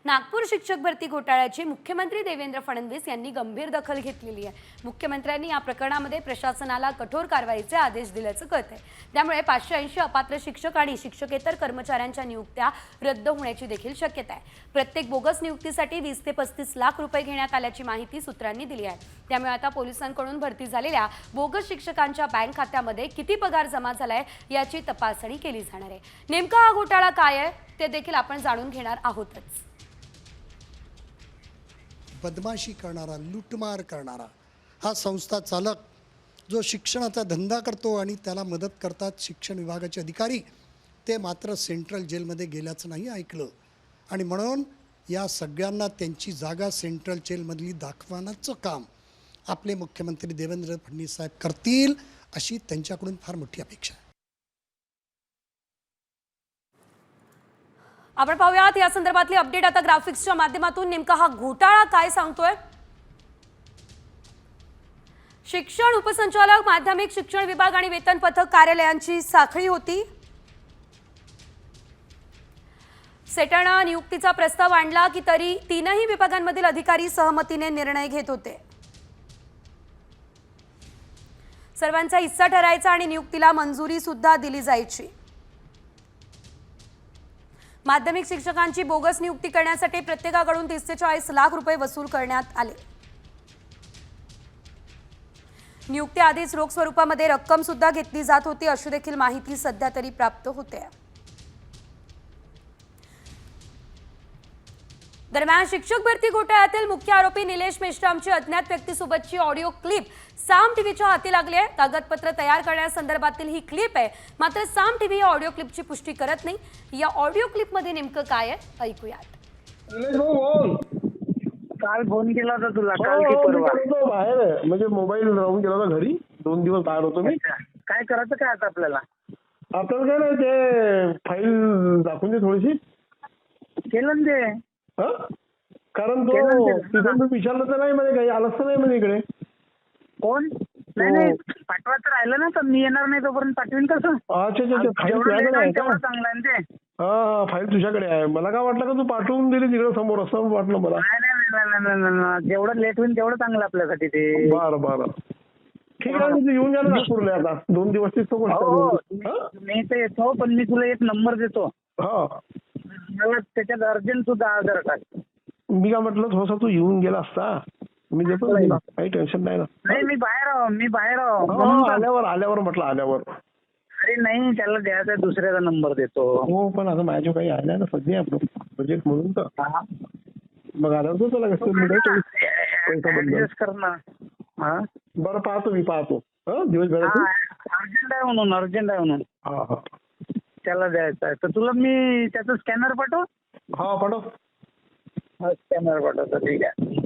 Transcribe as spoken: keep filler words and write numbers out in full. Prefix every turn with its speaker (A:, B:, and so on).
A: नागपूर शिक्षक भरती घोटाळ्याची मुख्यमंत्री देवेंद्र फडणवीस यांनी गंभीर दखल घेतलेली आहे। मुख्यमंत्र्यांनी या प्रकरणामध्ये प्रशासनाला कठोर कारवाईचे आदेश दिल्याचं कळतंय। त्यामुळे पाचशे ऐंशी अपात्र शिक्षक आणि शिक्षकेतर कर्मचाऱ्यांच्या नियुक्त्या रद्द होण्याची देखील शक्यता आहे। प्रत्येक बोगस नियुक्तीसाठी वीस ते पस्तीस लाख रुपये घेण्यात आल्याची माहिती सूत्रांनी दिली आहे। त्यामुळे आता पोलिसांकडून भरती झालेल्या बोगस शिक्षकांच्या बँक खात्यामध्ये किती पगार जमा झालाय याची तपासणी केली जाणार आहे। नेमका हा घोटाळा काय आहे ते देखील आपण जाणून घेणार आहोतच।
B: बदमाशी करणारा, लूटमार करणारा हा संस्था चालक जो शिक्षणाचा धंदा करतो आणि त्याला मदत करतात शिक्षण विभागाचे अधिकारी, ते मात्र सेंट्रल जेलमध्ये गेल्याचं नाही ऐकलं। आणि म्हणून या सगळ्यांना त्यांची जागा सेंट्रल जेलमधली दाखवण्याचं काम आपले मुख्यमंत्री देवेंद्र फडणवीस साहेब करतील अशी त्यांच्याकडून फार मोठी अपेक्षा आहे।
A: आपण पाहूयात या संदर्भातली अपडेट आता ग्राफिक्सच्या माध्यमातून। नेमका हा घोटाळा काय सांगतोय? शिक्षण उपसंचालक, माध्यमिक शिक्षण विभाग आणि वेतन पथक कार्यालयांची साखळी होती। सेटानं नियुक्तीचा प्रस्ताव आणला की तरी तीनही विभागांमधील अधिकारी सहमतीने निर्णय घेत होते। सर्वांचा हिस्सा ठरायचा आणि नियुक्तीला मंजुरी सुद्धा दिली जायची। माध्यमिक शिक्षकांची बोगस नियुक्ती करण्यासाठी प्रत्येकाकडून तीस ते चाळीस लाख रुपये वसूल करण्यात आले। नियुक्ती आधीच रोख स्वरूपामध्ये रक्कम सुद्धा घेतली जात होती अशी देखील माहिती सध्या तरी प्राप्त होते। दरम्यान शिक्षक भरती घोटाळ्यातील मुख्य आरोपी निलेश मेश्रामची अज्ञात व्यक्तीसोबतची ऑडिओ क्लिप साम टीव्हीच्या हाती लागली आहे। कागदपत्र तयार करण्यासंदर्भातील ही क्लिप आहे, मात्र साम टीव्ही या ऑडिओ क्लिपची पुष्टी करत नाही। या ऑडिओ क्लिपमध्ये नेमकं काय आहे ऐकूयात।
C: निलेश भाऊ बोल।
D: काल फोन केला होता तुला,
C: हो,
D: काल की
C: हो, मी
D: परवा?
C: करतो बाहेर आहे. म्हणजे मोबाईल राहून गेला होता घरी, दोन दिवस बाहेर होतो मी।
D: अच्छा. काय करायचं काय आता आपल्याला?
C: आपल्याला काय नाही, ते फाईल दाखवून दे थोडीशी।
D: केलं ना ते.
C: हा, कारण
D: केलं
C: तो
D: ना ते.
C: तिथून मी विचारलं तर नाही म्हणे, काही आलंच तर नाही म्हणे इकडे।
D: कोण? नाही नाही, पाठवायचं राहिलं ना तर मी येणार नाही तोपर्यंत पाठवीन कसं?
C: अच्छा अच्छा अच्छा, फाईल
D: जेवढं
C: तुझ्याकडे
D: लेट
C: आहे
D: होईल
C: का?
D: तेवढं चांगलं आहे ना ते.
C: हा हा, फाईल तुझ्याकडे आहे। मला काय वाटलं का तू पाठवून दिली तिकडे समोर, असं वाटलं मला।
D: नाही नाही नाही नाही, नाही नाही, नाही. जेवढं लेट होईल तेवढं चांगलं आपल्यासाठी ते।
C: बरं बरं, ठीक आहे। तू येऊन जा ना नागपूरला आता, दोन दिवस तिथं
D: हो
C: गोष्ट।
D: हो, मी तर येतो, पण मी तुला एक नंबर देतो।
C: हा,
D: मला त्याच्यात अर्जंट सुद्धा आधार कार्ड।
C: मी काय म्हटलं, थोडासा तू येऊन गेला असता, मी देतो ना तुला, काही टेन्शन नाही ना।
D: नाही मी बाहेर आहो, मी बाहेर आहो
C: हो,
D: म्हणून तर-
C: आल्यावर आल्यावर म्हटलं आल्यावर।
D: अरे नाही, त्याला द्यायचा दुसऱ्याचा नंबर देतो।
C: हो, पण आता माझ्या काही आल्या ना सध्या बजेट म्हणून तर
D: हा.
C: मग आल्यावर तो त्याला कसं पैसा बंद।
D: ऍडजस्ट कर ना. हा
C: बरं, पाहतो मी, पाहतो हा दिवसभरात।
D: अर्जंट आहे म्हणून, अर्जंट आहे म्हणून
C: हा हा
D: त्याला द्यायचं आहे, तर तुला मी त्याचं स्कॅनर पाठव।
C: हा, पाठव।
D: स्कॅनर पाठवतो, ठीक आहे।